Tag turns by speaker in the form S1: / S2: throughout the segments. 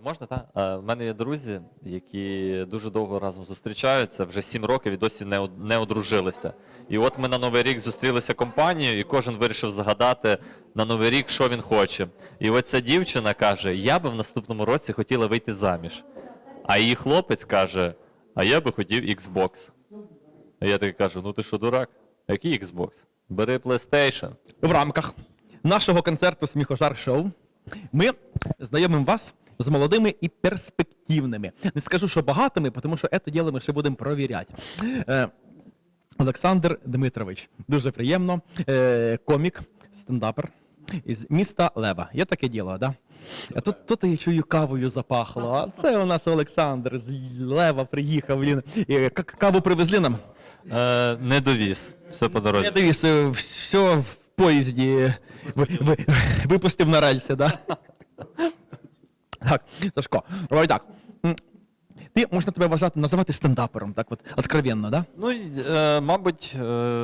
S1: Можна, так? В мене є друзі, які дуже довго разом зустрічаються, вже 7 років і досі не одружилися. І от ми на Новий рік зустрілися компанією, і кожен вирішив загадати на Новий рік, що він хоче. І от ця дівчина каже, я би в наступному році хотіла вийти заміж. А її хлопець каже, а я би хотів Xbox. А я таки кажу, ну ти що, дурак? А який Xbox? Бери PlayStation.
S2: В рамках нашого концерту «Сміхожар Шоу» ми знайомимо вас з молодими і перспективними. Не скажу, що багатими, тому що це діло ми ще будемо провіряти. Олександр Дмитрович, дуже приємно, комік, стендапер із міста Лева. Є таке діло, да? А тут я чую, кавою запахло. А це у нас Олександр з Лева приїхав. Каву привезли нам?
S1: Не довіз. Все по дорозі.
S2: Я дивлюсь, все в поїзді випустив на рельси, да? Так, Сашко, давай так. Ти, можна тебе вважати, називати стендапером, так от, откровенно, да?
S1: Ну, мабуть,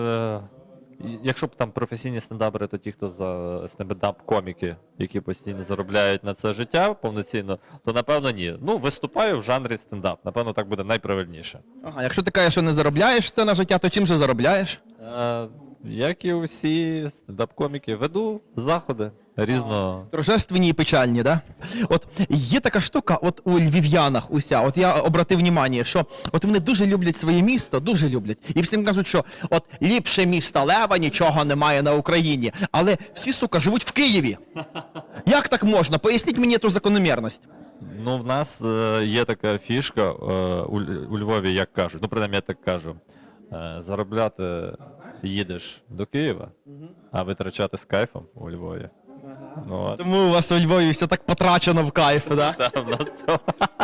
S1: якщо б там професійні стендапери, то ті, хто стендап-коміки, які постійно заробляють на це життя повноцінно, то напевно ні. Ну, виступаю в жанрі стендап, напевно, так буде найправильніше.
S2: Ага, якщо ти кажеш, що не заробляєш це на життя, то чим же заробляєш?
S1: Як і всі стендап-коміки, веду заходи різного.
S2: Торжественні і печальні, да? От є така штука, от у львів'янах уся, от я обратив увагу, що от вони дуже люблять своє місто, дуже люблять. І всім кажуть, що от ліпше міста Лева нічого немає на Україні. Але всі, сука, живуть в Києві. Як так можна? Поясніть мені ту закономірність.
S1: Ну, в нас є така фішка у Львові, як кажуть, ну, принаймні я так кажу, заробляти їдеш до Києва, а витрачати з кайфом у Львові. Ну,
S2: Тому у вас у Львові все так потрачено в кайф, да?
S1: так, в нас все.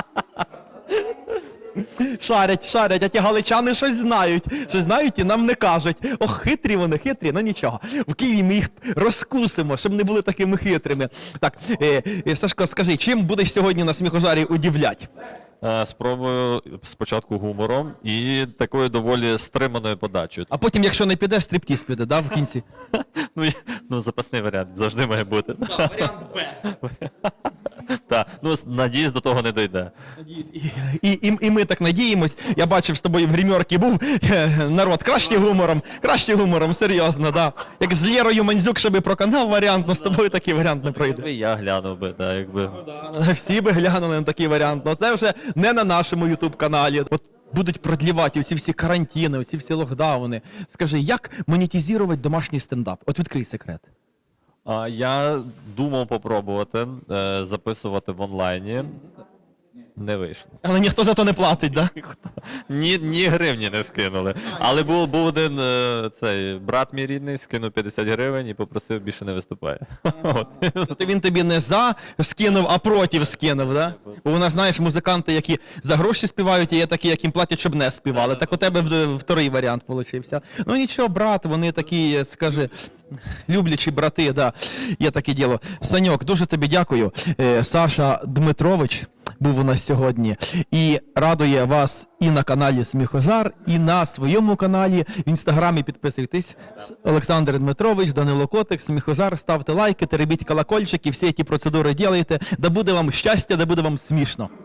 S2: Шарять, а ті галичани щось знають і нам не кажуть. Ох, хитрі вони, хитрі, ну нічого. В Києві ми їх розкусимо, щоб не були такими хитрими. Так, Сашко, скажи, чим будеш сьогодні на сміхожарі удивлять?
S1: Спробую спочатку гумором і такою доволі стриманою подачею.
S2: А потім, якщо не підеш, стриптіз піде, да, в кінці?
S1: Ну, запасний варіант завжди має бути.
S2: Так, варіант Б.
S1: Так, ну, надіюсь, до того не дійде.
S2: І ми так надіємось. Я бачив, з тобою в гримерці був народ. Краще гумором, серйозно, да. Як з Лєрою Мандзюк, щоб проканав варіант, але з тобою такий варіант не пройде.
S1: Я глянув би, так, якби.
S2: Всі би глянули на такий варіант, але це вже не на нашому ютуб-каналі. От будуть продлівати оці всі карантини, оці всі локдауни. Скажи, як монетизувати домашній стендап? От відкрий секрет.
S1: Я думав попробувати записувати в онлайні. Не вийшло.
S2: Але ніхто за то не платить, да?
S1: Ні гривні не скинули. Але був один цей брат мій рідний, скинув 50 гривень і попросив, більше не виступає.
S2: Тобто він тобі не за скинув, а проти скинув, да? Бо у нас, знаєш, музиканти, які за гроші співають, і є такі, яким платять, щоб не співали. Так у тебе вторий варіант получився. Ну нічого, брат, вони такі, скажи, люблячі брати, да, є таке діло. Саньок, дуже тобі дякую. Саша Дмитрович був у нас сьогодні і радує вас і на каналі Сміхожар, і на своєму каналі. В інстаграмі підписуйтесь. Олександр Дмитрович, Данило Котик, Сміхожар, ставте лайки, теребіть колокольчик і всі ці процедури ділайте. Да буде вам щастя, да буде вам смішно.